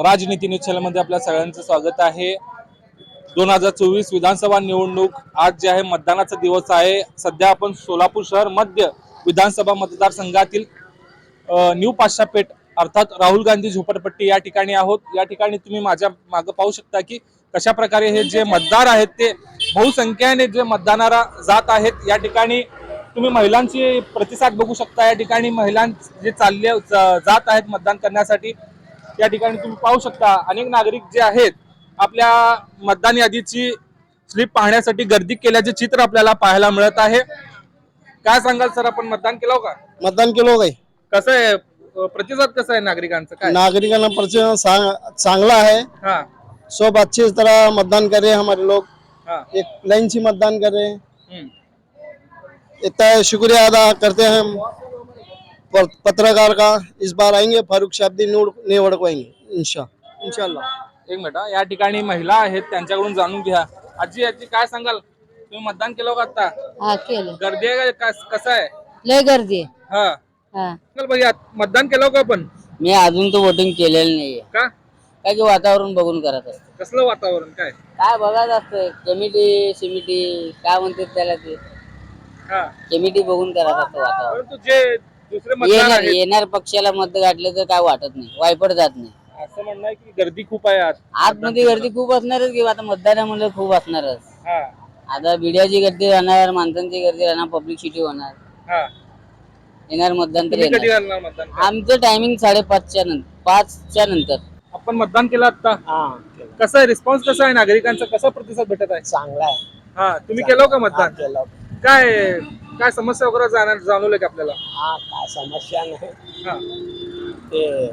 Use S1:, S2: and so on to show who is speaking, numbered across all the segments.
S1: राजनीती न्यूज चॅनलमध्ये आपल्या सगळ्यांचं स्वागत आहे। 2024 विधानसभा निवडणूक आज जे आहे मतदानाचा दिवस आहे। सध्या आपण सोलापूर शहर मध्य विधानसभा मतदारसंघातील न्यू पाशापेठ अर्थात राहुल गांधी झोपडपट्टी या ठिकाणी आहोत। या ठिकाणी तुम्ही माझ्या मागे पाहू शकता की कशा प्रकारे हे जे मतदार आहेत ते बहुसंख्येने जे मतदानाला जात आहेत। या ठिकाणी तुम्ही महिलांची प्रतिसाद बघू शकता। या ठिकाणी महिलां जे चालले जात आहेत मतदान करण्यासाठी। या ठिकाणी तुम्ही पाहू शकता अनेक नागरिक जे आहेत आपल्या मतदान यादीची स्लिप पाहण्यासाठी गर्दी केल्याचे चित्र आपल्याला पाहायला मिळत आहे। काय सांगाल सर, आपण मतदान केलं का?
S2: मतदान केलं काय?
S1: कसं आहे प्रतिसाद कसा आहे नागरिकांचा? काय
S2: नागरिकांना प्रतिसाद चांगला है।
S1: हाँ
S2: सब अच्छी तरह मतदान कर रहे हैं हमारे लोग।
S1: हाँ
S2: एक लाइन से मतदान कर रहे हैं। इतना शुक्रिया अदा करते हैं हम पत्रकार का। इस बार आएंगे फारूक शाब्दी निवडवाएंगे इंशाल्लाह।
S1: एक मिनिट हा। या ठिकाणी महिला आहेत त्यांच्याकडून जाणून घ्या। आजी आजी काय सांगाल, तुम्ही मतदान केलं का आता?
S3: हा केलं।
S1: गर्दी आहे का कसं आहे?
S3: लय गर्दी आहे।
S1: हा
S3: हा
S1: चल भैया, मतदान केलं का आपण?
S3: मी अजून तो वोटिंग केलेलं नाहीये।
S1: का?
S3: काय की वातावरण बघून करत असते।
S1: कसलं वातावरण काय?
S3: काय बघत असते, कमिटी सिमिटी काय म्हणतात त्याला, ते
S1: हा
S3: कमिटी बघून करत असते वातावरण।
S1: परंतु जे दुसरे मतदार आहेत
S3: येणार पक्षाला मत गाठले तर काय वाटत नाही, वायपट जात नाही।
S1: असं म्हणणं आहे की गर्दी खूप आहे आज।
S3: आतमध्ये गर्दी खूप असणारच की, आता मतदानामध्ये खूप असणारच।
S1: हा
S3: आता बिड्याची गर्दी राहणार, माणसांची गर्दी राहणार, पब्लिसिटी होणार।
S1: हा
S3: येणार मतदान तर
S1: तुम्ही कधी
S3: येणार।
S1: घालणार मतदान?
S3: आमचं टायमिंग 5:30च्या नंतर।
S1: आपण मतदान केलं आता? कसं आहे रिस्पॉन्स, कसा आहे नागरिकांचा, कसा प्रतिसाद भेटत आहे?
S2: चांगला है।
S1: हा तुम्ही केलं का मतदान? काय काय समस्या वगैरे जाणवलं का आपल्याला?
S2: हाँ काय समस्या नाही।
S1: हा
S2: ते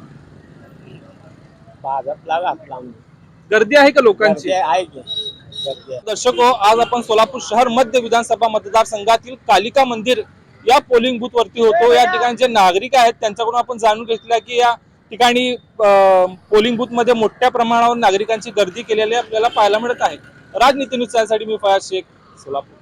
S2: भाजपला घातला आम्ही।
S1: गर्दी आहे का लोकांची?
S2: आहे की गर्दी आहे।
S1: दर्शको, आज आपण सोलापूर शहर मध्य विधानसभा मतदारसंघातील कालिका मंदिर या पोलिंग बूथ वरती होतो। या ठिकाणी जे नागरिक आहेत त्यांच्याकडून आपण जाणून घेतलं की या ठिकाणी पोलिंग बूथ मध्ये मोठ्या प्रमाणावर नागरिकांची गर्दी केलेली आपल्याला पाहायला मिळत आहे। राजनीती न्यूज चॅनलसाठी मी फयाज शेख, सोलापूर।